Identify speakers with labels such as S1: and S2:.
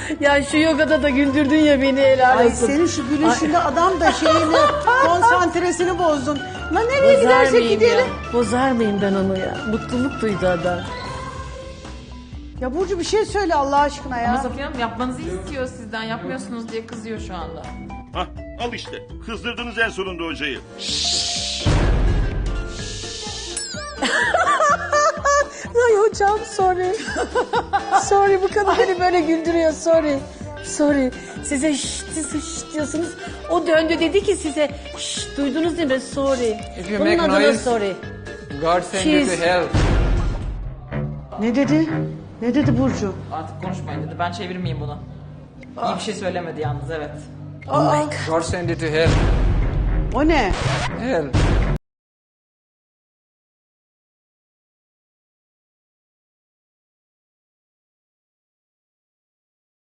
S1: Ya şu yogada da güldürdün ya beni, helal
S2: Ay
S1: olsun.
S2: senin şu gülüşünde adam da şeyini konsantresini bozdun. Lan nereye
S1: Bozar
S2: gidersek
S1: mıyım
S2: gidelim.
S1: ya? Bozar mıyım ben onu ya? Mutluluk duydu adam.
S2: Ya Burcu bir şey söyle Allah aşkına
S3: Ama
S2: ya.
S3: Safiye Hanım yapmanızı istiyor sizden. Yapmıyorsunuz diye kızıyor şu anda.
S4: Hah, al işte. Kızdırdınız en sonunda hocayı.
S1: Ay hocam sorry. Sorry, bu kadın beni böyle güldürüyor, sorry. Sorry. Size şşt diyorsunuz. O döndü dedi ki size şşt, duydunuz değil mi? Sorry.
S5: If you
S1: Bunun
S5: make
S1: adına
S5: noise-
S1: sorry.
S5: God send you to
S1: She's-
S5: hell.
S2: Ne dedi? Ne dedi Burcu?
S3: Artık konuşmayın dedi. Ben çevirmeyeyim bunu. İyi bir şey söylemedi yalnız, evet.
S5: God send you to hell.
S2: O ne?
S5: Hell.